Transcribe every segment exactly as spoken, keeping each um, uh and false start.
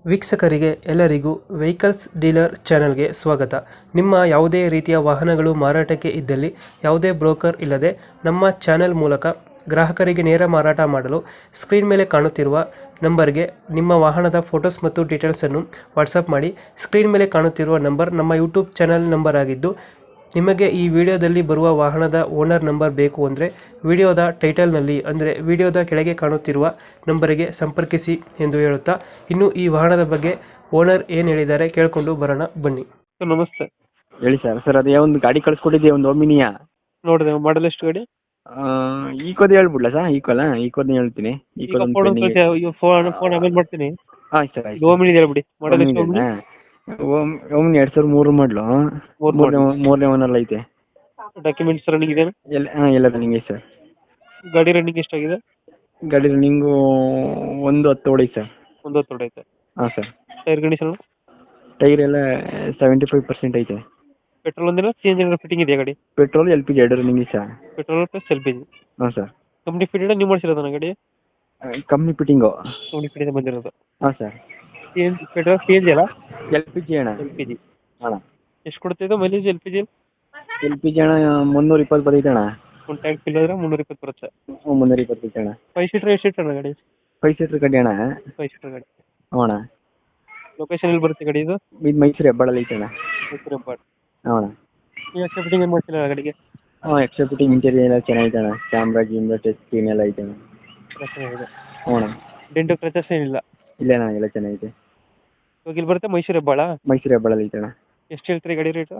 ವೀಕ್ಷಕರಿಗೆ ಎಲ್ಲರಿಗೂ vehicles dealer ಚಾನೆಲ್ಗೆ ಸ್ವಾಗತ. ನಿಮ್ಮ ಯಾವುದೇ ರೀತಿಯ ವಾಹನಗಳು ಮಾರಾಟಕ್ಕೆ ಇದ್ದಲ್ಲಿ ಯಾವುದೇ ಬ್ರೋಕರ್ ಇಲ್ಲದೆ ನಮ್ಮ ಚಾನೆಲ್ ಮೂಲಕ ಗ್ರಾಹಕರಿಗೆ ನೇರ ಮಾರಾಟ ಮಾಡಲು ಸ್ಕ್ರೀನ್ ಮೇಲೆ ಕಾಣುತ್ತಿರುವ ನಂಬರ್ಗೆ ನಿಮ್ಮ ವಾಹನದ ಫೋಟೋಸ್ ಮತ್ತು ಡೀಟೇಲ್ಸನ್ನು ವಾಟ್ಸಪ್ ಮಾಡಿ. ಸ್ಕ್ರೀನ್ ಮೇಲೆ ಕಾಣುತ್ತಿರುವ ನಂಬರ್ ನಮ್ಮ ಯೂಟ್ಯೂಬ್ ಚಾನೆಲ್ ನಂಬರ್ ಆಗಿದ್ದು, ನಿಮಗೆ ಈ ವಿಡಿಯೋದಲ್ಲಿ ಬರುವ ವಾಹನದ ಓನರ್ ನಂಬರ್ ಬೇಕು ಅಂದರೆ ವಿಡಿಯೋದ ಟೈಟಲ್ನಲ್ಲಿ ಅಂದರೆ ವಿಡಿಯೋದ ಕೆಳಗೆ ಕಾಣುತ್ತಿರುವ ನಂಬರಿಗೆ ಸಂಪರ್ಕಿಸಿ ಎಂದು ಹೇಳುತ್ತಾ, ಇನ್ನು ಈ ವಾಹನದ ಬಗ್ಗೆ ಓನರ್ ಏನು ಹೇಳಿದ್ದಾರೆ ಕೇಳಿಕೊಂಡು ಬರೋಣ ಬನ್ನಿ. ಸರ್ ನಮಸ್ತೆ. ಹೇಳಿ ಸರ್. ಸರ್ ಅದೇ ಒಂದು ಗಾಡಿ ಕಳಿಸ್ಕೊಟ್ಟಿದ್ದೆ, ಒಂದು ಒಮಿನಿಯಾ ನೋಡಿದೆ. ಮಾಡಲ್ ಎಷ್ಟು ಗಾಡಿ? ಈಕೋದು ಹೇಳ್ಬಿಡ್ಲಾ ಸರ್? ಈಕೋಲ್ಲ, ಈಕೋದನ್ನ ಹೇಳ್ತೀನಿ. ಈಕೋ ಫೋನ್ ಫೋನ್ ಆಮೇಲೆ ಮಾಡ್ತೀನಿ. ಹಾಂ ಸರ್ ಆಯ್ತು. ಓಮಿನಿ ಹೇಳ್ಬಿಡಿ. ಮಾಡಲ್ ಎಷ್ಟು? ಓಮ್ ಓಮ್ನಿ ಎರಡು ಸಾವಿರದ ಮೂರು ಮಾಡಲು, ಮೂರನೇ ಮೂರನೇ ಓನರ್ ಐತೆ. ಡಾಕ್ಯುಮೆಂಟ್ಸ್ ರನ್ನಿಂಗ್ ಇದೆ? ಎಲ್ಲ ಹಾಂ ಎಲ್ಲ ರನ್ನಿಂಗ್ ಐತೆ ಸರ್. ಗಾಡಿ ರನ್ನಿಂಗ್ ಎಷ್ಟಾಗಿದೆ? ಗಾಡಿ ರನ್ನಿಂಗು ಒಂದು ಹತ್ತು ಹೊಡೈತೆ ಸರ್. ಒಂದು ಹತ್ತು ಹೊಡೈತೆ. ಹಾಂ ಸರ್. Tyre condition? ಟೈರ್ ಎಲ್ಲ ಸೆವೆಂಟಿ ಫೈವ್ ಪರ್ಸೆಂಟ್ ಐತೆ. ಪೆಟ್ರೋಲ್ ಒಂದಿನ ಸಿ ಎನ್ ಜಿ ಫಿಟ್ಟಿಂಗ್ ಇದೆಯಾ ಗಾಡಿ? ಪೆಟ್ರೋಲ್ ಎಲ್ ಪಿ ಜಿ ಎರಡು ರನ್ನಿಂಗ್ ಇದೆ sir. Petrol plus L P G. ಹಾಂ ಸರ್. ಕಂಪ್ನಿ ಫಿಟೆಡ್ ನೀವು ಮಾಡಿಸಿರೋದನ್ನ ಗಾಡಿ? Company fitting. ಕಂಪ್ನಿ ಫಿಟ್ಟಿಂಗ್ ಬಂದಿರೋದು. ಹಾಂ sir. C N petrol C N G ಅಲ್ಲ? ಎಲ್ ಪಿ ಜಿ ಅಣ್ಣ. ಎಲ್ ಪಿ ಜಿ ಅಣ್ಣ ಎಷ್ಟು ಕೊಡ್ತಿದ್ದು mileage L P G? L P G ಅಣ್ಣ ಮುನ್ನೂರ ಇಪ್ಪತ್ತು ಬರ್ತೈತೆ ಅಣ್ಣ. ಒಂದು ಟ್ಯಾಂಕ್ ಫಿಲ್ ಆದರೆ ಮುನ್ನೂರ ಇಪ್ಪತ್ತು ಬರುತ್ತೆ. ಹ್ಞೂ ಮುನ್ನೂರ ಇಪ್ಪತ್ತು ಬರ್ತೈತೆ ಅಣ್ಣ. ಫೈವ್ ಸೀಟರ್ ಎಷ್ಟು ಸೀಟರ್ ಅಣ್ಣ ಗಾಡಿ? ಫೈವ್ ಸೀಟ್ರ್ ಗಾಡಿ ಅಣ್ಣ. ಫೈವ್ ಸೀಟರ್ ಗಾಡಿ. ಹ್ಞೂ ಅಣ್ಣ. ಲೊಕೇಶನ್ ಎಲ್ಲಿ ಬರುತ್ತೆ ಗಾಡಿ ಇದು? ಇದು ಮೈಸೂರು ಹೆಬ್ಬಾಳಲ್ಲಿ ಐತೆ ಅಣ್ಣ. ಮೈಸೂರು ಹೆಬ್ಬಾಳ. ಹ್ಞೂ ಅಣ್ಣ. ನೀವು ಎಕ್ಸ್ಟ್ರಾ ಫಿಟ್ಟಿಂಗ್ ಏನು ಮಾಡ್ತಿಲ್ಲ ಗಾಡಿಗೆ? ಹ್ಞೂ ಎಕ್ಸ್ಟ್ರಾ ಫಿಟ್ಟಿಂಗ್ ಇಂಟೀರಿಯರ್ ಎಲ್ಲ ಚೆನ್ನಾಗಿದೆ ಅಣ್ಣ. ಕ್ಯಾಮ್ರಾ ಗಿಮ್ರಾ ಟಚ್ ಸ್ಕ್ರೀನ್ ಎಲ್ಲ ಐತೆ ಅಣ್ಣ. ಚೆನ್ನಾಗಿದೆ. ಹ್ಞೂ ಅಣ್ಣ. ಡೆಂಟು ಕ್ರಚಸ್ ಏನಿಲ್ಲ? ಇಲ್ಲ ಅಣ್ಣ, ಎಲ್ಲ ಚೆನ್ನಾಗಿದೆ. ಇವಾಗ ಇಲ್ಲಿ ಬರುತ್ತೆ ಮೈಸೂರು ಹೆಬ್ಬಾಳ? ಮೈಸೂರು ಹೆಬ್ಬಾಳಲ್ಲಿ ಐತೆ ಅಣ್ಣ. ಎಷ್ಟು ಹೇಳ್ತೀರಿ ಗಾಡಿ ರೇಟು?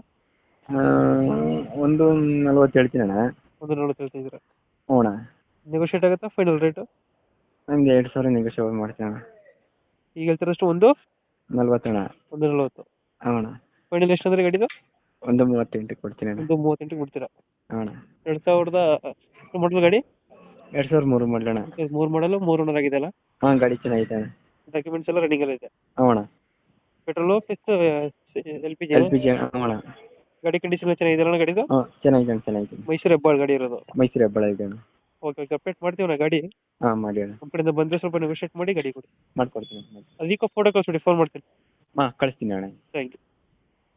ಒಂದು ನಲ್ವತ್ತು ಹೇಳ್ತೀನಿ ಅಣ್ಣ. ಒಂದು ನಲ್ವತ್ತು ಹೇಳ್ತಿದ್ದೀರಾ? ಹ್ಞೂ ಅಣ್ಣ. ನೆಗೋಷಿಯೇಟ್ ಆಗುತ್ತಾ ಫೈನಲ್ ರೇಟು? ನನಗೆ ಎರಡು ಸಾವಿರ ನೆಗೋಷಿಯೇಟ್ ಮಾಡ್ತೀನಿ ಅಣ್ಣ. ಈಗ ಹೇಳ್ತಾರಷ್ಟು ಒಂದು ನಲ್ವತ್ತು ಅಣ್ಣ. ಒಂದು ನಲ್ವತ್ತು. ಹ್ಞೂ ಅಣ್ಣ. ಫೈನಲ್ ಎಷ್ಟು ಅಂದರೆ ಗಾಡಿದು? ಒಂದು ಮೂವತ್ತೆಂಟಕ್ಕೆ ಕೊಡ್ತೀನಿ ಅಣ್ಣ. ಒಂದು ಮೂವತ್ತೆಂಟಕ್ಕೆ ಬಿಡ್ತೀರಾ? ಹ್ಞೂ ಅಣ್ಣ. ಎರಡು ಸಾವಿರದ ಮಾಡಲು ಗಾಡಿ? ಎರಡು ಸಾವಿರದ ಮೂರು ಮಾಡಲು ಅಣ್ಣ. ಮೂರು ಮಾಡಲು ಮೂರು ಓನರ್ ಆಗಿದೆ ಅಲ್ಲ? ಹಾಂ ಗಾಡಿ ಚೆನ್ನಾಗಿದೆ ಅಣ್ಣ. ಡಾಕ್ಯುಮೆಂಟ್ಸ್ ಎಲ್ಲ ರನ್ನಿಂಗ್ ಎಲ್ಲ ಇದೆ? ಹ್ಞೂ ಅಣ್ಣ. Petrol plus L P G? L P G ಹ್ಞೂ ಅಣ್ಣ. ಗಾಡಿ ಕಂಡೀಷನ್ ಚೆನ್ನಾಗಿದೆ ಅಣ್ಣ ಗಾಡಿದು? ಹಾಂ ಚೆನ್ನಾಗಿದೆ ಅಣ್ಣ, ಚೆನ್ನಾಗಿದೆ. ಮೈಸೂರು ಹೆಬ್ಬಾಳ ಗಾಡಿ ಇರೋದು? ಮೈಸೂರು ಹೆಬ್ಬಾಳ ಇದೆ ಅಣ್ಣ. ಓಕೆ ಓಕೆ ಅಪ್ಡೇಟ್ ಮಾಡ್ತೀವಿ ನಾ ಗಾಡಿ. ಹಾಂ ಮಾಡಿ ಅಣ್ಣ. ನಮ್ಮ ಕಡೆಯಿಂದ ಬಂದರೆ ಸ್ವಲ್ಪ ನೆಗೋಷಿಯೇಟ್ ಮಾಡಿ ಗಾಡಿ ಕೊಡಿ. ಮಾಡ್ಕೊಡ್ತೀನಿ. ಅದಕ್ಕೆ ಫೋಟೋ ಕಳಿಸ್ಬಿಡಿ, ಫೋನ್ ಮಾಡ್ತೀನಿ. ಹಾಂ ಕಳಿಸ್ತೀನಿ ಅಣ್ಣ. Thank you.